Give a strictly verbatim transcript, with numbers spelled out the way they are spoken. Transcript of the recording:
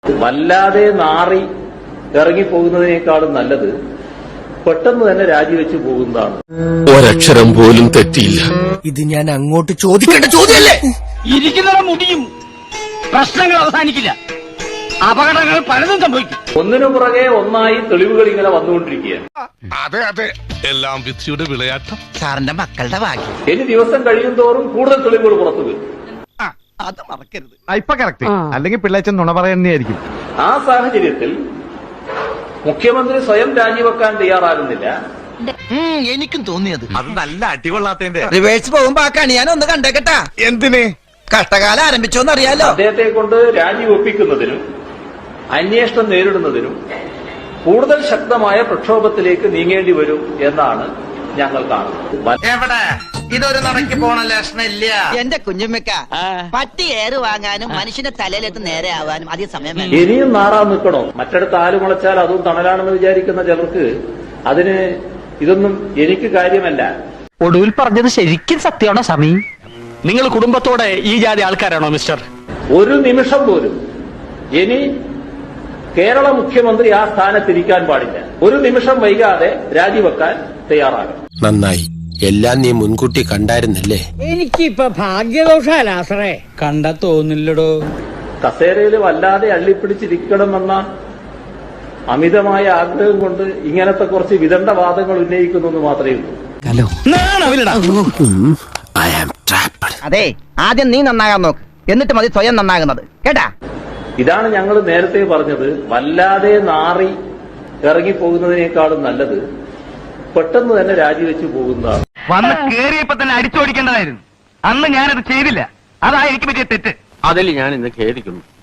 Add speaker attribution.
Speaker 1: വല്ലാതെ നാറി ഇറങ്ങിപ്പോകുന്നതിനേക്കാളും നല്ലത് പെട്ടെന്ന് തന്നെ രാജിവെച്ച് പോകുന്നതാണ്.
Speaker 2: ഒരക്ഷരം പോലും തെറ്റിയില്ല.
Speaker 3: ഇത് ഞാൻ അങ്ങോട്ട് ചോദിക്കേണ്ട ചോദ്യമല്ലേ?
Speaker 4: ഇരിക്കുന്നവരെ മുടിയും പ്രശ്നങ്ങൾ അവസാനിക്കില്ല, അപകടങ്ങൾ പലതും സംഭവിക്കും.
Speaker 1: ഒന്നിനു പുറകെ ഒന്നായി തെളിവുകൾ ഇങ്ങനെ വന്നുകൊണ്ടിരിക്കുകയാണ്.
Speaker 2: അതെ അതെ, എല്ലാം വിധിയുടെ വിളയാട്ടം.
Speaker 3: സാറിന്റെ മക്കളുടെ ഭാഗ്യം.
Speaker 1: ഇനി ദിവസം കഴിയും തോറും കൂടുതൽ തെളിവുകൾ പുറത്തു വരും.
Speaker 3: അത് മറക്കരുത്.
Speaker 5: ഇപ്പൊ കറക്റ്റ്, അല്ലെങ്കിൽ പിള്ളേച്ചൻ നുണ പറയുന്നതായിരിക്കും.
Speaker 1: ആ സാഹചര്യത്തിൽ മുഖ്യമന്ത്രി സ്വയം രാജിവെക്കാൻ തയ്യാറാകുന്നില്ല.
Speaker 3: എനിക്കും തോന്നിയത്
Speaker 5: അത് നല്ല അടികൊള്ളാത്തതിന്റെ
Speaker 3: റിവേഴ്സ് പോകുമ്പോ ആ കണി ഞാൻ ഒന്ന് കണ്ടേക്കട്ടാ.
Speaker 5: എന്തിന്?
Speaker 3: കഷ്ടകാലം ആരംഭിച്ചോന്നറിയാലോ.
Speaker 1: അദ്ദേഹത്തെ കൊണ്ട് രാജിവെപ്പിക്കുന്നതിനും അന്വേഷണം നേരിടുന്നതിനും കൂടുതൽ ശക്തമായ പ്രക്ഷോഭത്തിലേക്ക് നീങ്ങേണ്ടി വരും എന്നാണ് ഞങ്ങൾ കാണുന്നത്.
Speaker 6: എവിടെ ഇതൊരു നടക്കി പോണ ലക്ഷണില്ല.
Speaker 7: എന്റെ കുഞ്ഞുമ്മക്ക പട്ടി ഏറ് വാങ്ങാനും മനുഷ്യന്റെ തലയിലെത്ത് നേരെ ആവാനും അധികം സമയം വേണം.
Speaker 1: ഇനിയും നാറാൻ നിൽക്കണോ? മറ്റിടത്ത് ആല് മുളച്ചാൽ അതും തണലാണെന്ന് വിചാരിക്കുന്ന ചിലർക്ക് അതിന് ഇതൊന്നും എനിക്ക് കാര്യമല്ല.
Speaker 4: ഒടുവിൽ പറഞ്ഞത് ശരിക്കും സത്യമാണോ സമീ? നിങ്ങൾ കുടുംബത്തോടെ ഈ ജാതി ആൾക്കാരാണോ മിസ്റ്റർ?
Speaker 1: ഒരു നിമിഷം പോലും ഇനി കേരള മുഖ്യമന്ത്രി ആ സ്ഥാനത്തിരിക്കാൻ പാടില്ല. ഒരു നിമിഷം വൈകാതെ രാജിവെക്കാൻ തയ്യാറാകും.
Speaker 2: നന്നായി, എല്ലാം നീ മുൻകൂട്ടി കണ്ടായിരുന്നല്ലേ?
Speaker 8: എനിക്കിപ്പൊ ഭാഗ്യദോഷാലാസറേ. കണ്ടാ തോന്നില്ലടോ.
Speaker 1: കസേരയിൽ വല്ലാതെ അള്ളിപ്പിടിച്ചിരിക്കണമെന്ന അമിതമായ ആഗ്രഹം കൊണ്ട് ഇങ്ങനത്തെ കുറച്ച് വിദണ്ഡവാദങ്ങൾ ഉന്നയിക്കുന്നു മാത്രമേ ഉള്ളൂ.
Speaker 7: അതെ, ആദ്യം നീ നന്നാകാൻ നോക്ക്, എന്നിട്ട് മതി സ്വയം നന്നാകുന്നത്, കേട്ടാ?
Speaker 1: ഇതാണ് ഞങ്ങൾ നേരത്തെ പറഞ്ഞത്. വല്ലാതെ നാറി ഇറങ്ങിപ്പോകുന്നതിനേക്കാളും നല്ലത് പെട്ടെന്ന് തന്നെ രാജിവെച്ച് പോകുന്നതാണ്.
Speaker 4: വന്ന് കേറിയപ്പോ തന്നെ അടിച്ചോടിക്കേണ്ടതായിരുന്നു. അന്ന് ഞാനത് ചെയ്തില്ല, അതാ എനിക്ക് പറ്റിയ തെറ്റ്.
Speaker 6: അതിൽ ഞാൻ ഇന്ന് ഖേദിക്കുന്നു.